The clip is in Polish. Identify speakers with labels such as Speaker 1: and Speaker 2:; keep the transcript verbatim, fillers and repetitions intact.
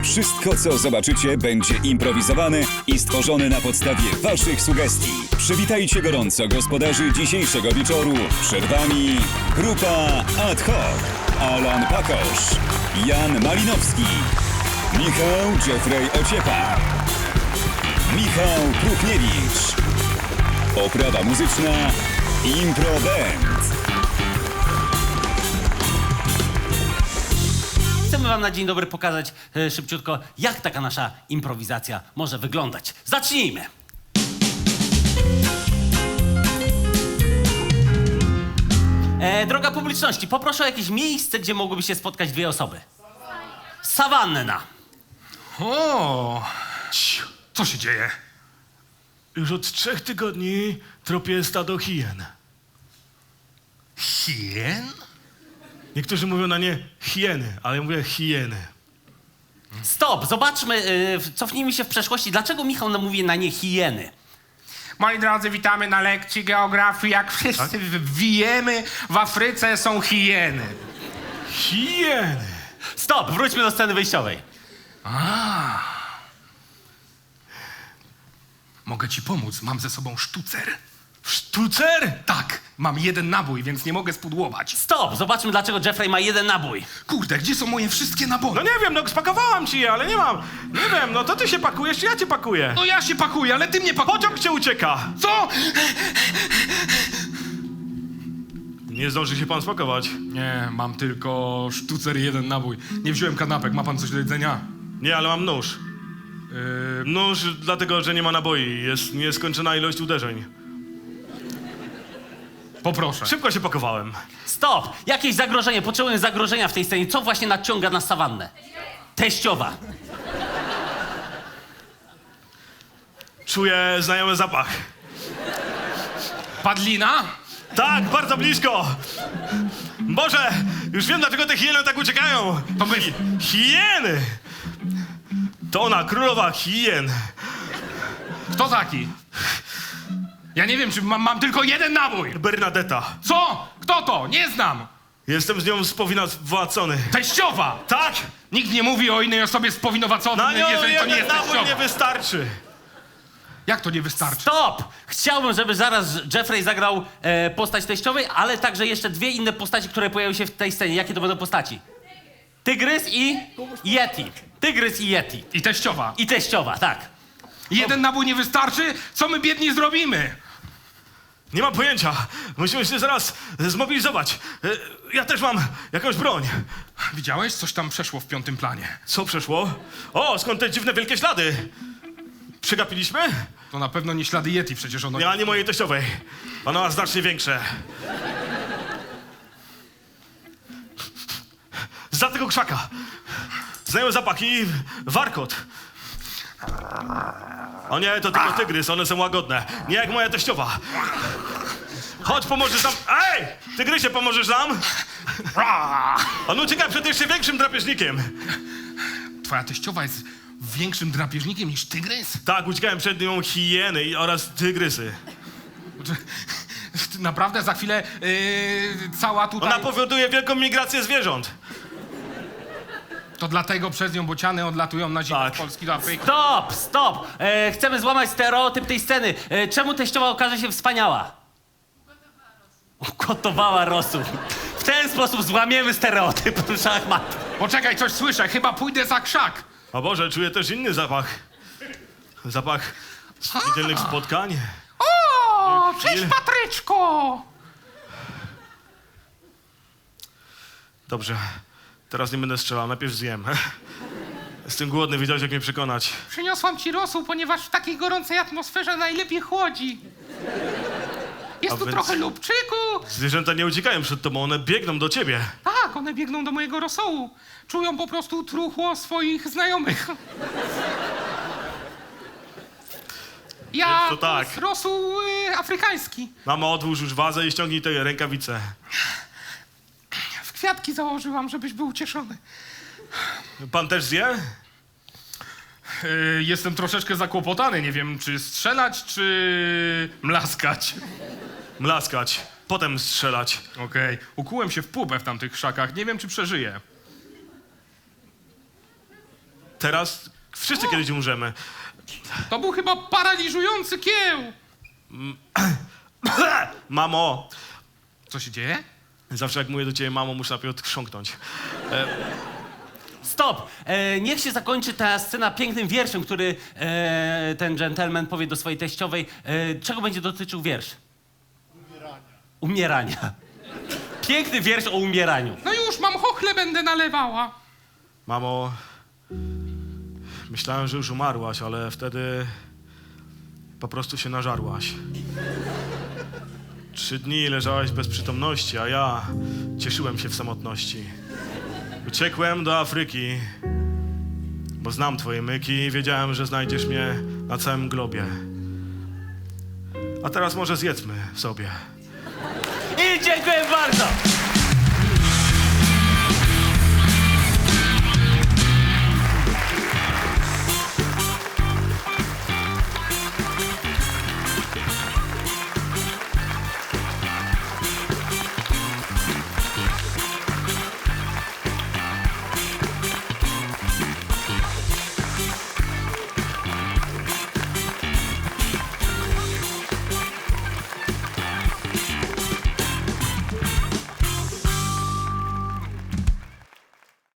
Speaker 1: Wszystko, co zobaczycie, będzie improwizowane i stworzone na podstawie waszych sugestii. Przywitajcie gorąco gospodarzy dzisiejszego wieczoru. Przed wami grupa Ad hoc. Alan Pakosz, Jan Malinowski, Michał Jeffrey Ociepa, Michał Krupniewicz. Oprawa muzyczna Impro Band.
Speaker 2: Chcemy wam na dzień dobry pokazać e, szybciutko, jak taka nasza improwizacja może wyglądać. Zacznijmy! E, droga publiczności, poproszę o jakieś miejsce, gdzie mogłyby się spotkać dwie osoby. Sawanna.
Speaker 3: O, ciu, co się dzieje?
Speaker 4: Już od trzech tygodni tropię stado hien.
Speaker 3: Hien?
Speaker 4: Niektórzy mówią na nie hieny, ale ja mówię hieny.
Speaker 2: Stop, zobaczmy, e, cofnijmy się w przeszłości. Dlaczego Michał nam mówi na nie hieny?
Speaker 3: Moi drodzy, witamy na lekcji geografii. Jak wszyscy wiemy, w Afryce są hieny.
Speaker 4: Hieny!
Speaker 2: Stop, wróćmy do sceny wyjściowej.
Speaker 3: Mogę ci pomóc, mam ze sobą sztucer.
Speaker 4: Sztucer?
Speaker 3: Tak, mam jeden nabój, więc nie mogę spudłować.
Speaker 2: Stop, zobaczmy, dlaczego Jeffrey ma jeden nabój.
Speaker 3: Kurde, gdzie są moje wszystkie naboje?
Speaker 4: No nie wiem, no spakowałam ci je, ale nie mam. Nie wiem, no to ty się pakujesz, czy ja cię pakuję?
Speaker 3: No ja się pakuję, ale ty mnie pakujesz.
Speaker 4: Pociąg cię ucieka!
Speaker 3: Co?
Speaker 4: Nie zdąży się pan spakować.
Speaker 3: Nie, mam tylko sztucer i jeden nabój. Nie wziąłem kanapek, ma pan coś do jedzenia?
Speaker 4: Nie, ale mam nóż.
Speaker 3: Yy,
Speaker 4: Nóż dlatego, że nie ma naboi. Jest nieskończona ilość uderzeń.
Speaker 3: poproszę.
Speaker 4: Szybko się pakowałem.
Speaker 2: Stop! Jakieś zagrożenie, potrzebuję zagrożenia w tej scenie. Co właśnie nadciąga na sawannę? Teściowa.
Speaker 4: Czuję znajomy zapach.
Speaker 3: Padlina?
Speaker 4: Tak, bardzo blisko! Boże, już wiem, dlaczego te hieny tak uciekają.
Speaker 3: To my.
Speaker 4: Hieny! To ona, królowa hien.
Speaker 3: Kto taki? Ja nie wiem, czy mam, mam tylko jeden nabój.
Speaker 4: Bernadetta.
Speaker 3: Co? Kto to? Nie znam.
Speaker 4: Jestem z nią spowinowacony.
Speaker 3: Teściowa!
Speaker 4: Tak!
Speaker 3: Nikt nie mówi o innej osobie spowinowaconej,
Speaker 4: Na nią
Speaker 3: jeżeli to nie
Speaker 4: jeden
Speaker 3: jest
Speaker 4: nabój
Speaker 3: teściowa.
Speaker 4: nie wystarczy.
Speaker 3: Jak to nie wystarczy?
Speaker 2: Stop! Chciałbym, żeby zaraz Jeffrey zagrał e, postać teściowej, ale także jeszcze dwie inne postaci, które pojawią się w tej scenie. Jakie to będą postaci? Tygrys i Yeti. Tygrys i Yeti.
Speaker 3: I teściowa.
Speaker 2: I teściowa, tak.
Speaker 3: Jeden nabój nie wystarczy? Co my biedni zrobimy?
Speaker 4: Nie mam pojęcia. Musimy się zaraz zmobilizować. E, Ja też mam jakąś broń.
Speaker 3: Widziałeś? Coś tam przeszło w piątym planie.
Speaker 4: Co przeszło? O, skąd te dziwne wielkie ślady? Przegapiliśmy?
Speaker 3: To na pewno nie ślady Yeti, przecież ono...
Speaker 4: Ja nie mojej teściowej. Ona ma znacznie większe. Za tego krzaka. Znają zapach i warkot. O nie, to tylko tygrys, one są łagodne. Nie jak moja teściowa. Chodź, pomożesz nam. Ej! Tygrysie, pomożesz nam? On ucieka przed jeszcze większym drapieżnikiem.
Speaker 3: Twoja teściowa jest większym drapieżnikiem niż tygrys?
Speaker 4: Tak, uciekałem przed nią hieny i- oraz tygrysy.
Speaker 3: Naprawdę za chwilę yy, cała tutaj...
Speaker 4: Ona powoduje wielką migrację zwierząt.
Speaker 3: To dlatego przez nią bociany odlatują na zimę
Speaker 4: Tak.
Speaker 3: z Polski do Afryki.
Speaker 2: Stop, stop! E, chcemy złamać stereotyp tej sceny. E, czemu teściowa okaże się wspaniała? Ugotowała rosół. W ten sposób złamiemy stereotyp szachmat.
Speaker 3: Poczekaj, coś słyszę, chyba pójdę za krzak.
Speaker 4: O Boże, czuję też inny zapach. Zapach niedzielnych spotkań.
Speaker 3: O,
Speaker 4: cześć,
Speaker 3: cześć Patryczko!
Speaker 4: Dobrze, teraz nie będę strzelał, najpierw zjem. Jestem głodny, wiedziałeś jak mnie przekonać.
Speaker 3: Przyniosłam ci rosół, ponieważ w takiej gorącej atmosferze najlepiej chłodzi. Jest
Speaker 4: A
Speaker 3: tu
Speaker 4: więc-
Speaker 3: trochę lubczyku.
Speaker 4: Zwierzęta nie uciekają przed tobą, one biegną do ciebie.
Speaker 3: Tak, one biegną do mojego rosołu. Czują po prostu truchło swoich znajomych. Ja
Speaker 4: To tak.
Speaker 3: to jest rosół y, afrykański.
Speaker 4: Mamo, odłóż już wazę i ściągnij te rękawice.
Speaker 3: W kwiatki założyłam, żebyś był ucieszony.
Speaker 4: Pan też zje?
Speaker 3: Yy, jestem troszeczkę zakłopotany. Nie wiem, czy strzelać, czy mlaskać.
Speaker 4: Mlaskać, potem strzelać.
Speaker 3: Okej, ukułem się w pupę w tamtych krzakach. Nie wiem, czy przeżyję.
Speaker 4: teraz wszyscy kiedyś umrzemy.
Speaker 3: To był chyba paraliżujący kieł.
Speaker 4: Mamo,
Speaker 3: Co się dzieje?
Speaker 4: zawsze jak mówię do ciebie mamo, muszę najpierw odchrząknąć.
Speaker 2: Stop! E, niech się zakończy ta scena pięknym wierszem, który e, ten gentleman powie do swojej teściowej. E, czego będzie dotyczył wiersz? Umierania. Umierania. Piękny wiersz o umieraniu.
Speaker 3: No już, mam chochle, będę nalewała.
Speaker 4: Mamo, myślałem, że już umarłaś, ale wtedy po prostu się nażarłaś. Trzy dni leżałaś bez przytomności, a ja cieszyłem się w samotności. Uciekłem do Afryki, bo znam twoje myki i wiedziałem, że znajdziesz mnie na całym globie. A teraz może zjedzmy sobie.
Speaker 2: I dziękuję bardzo!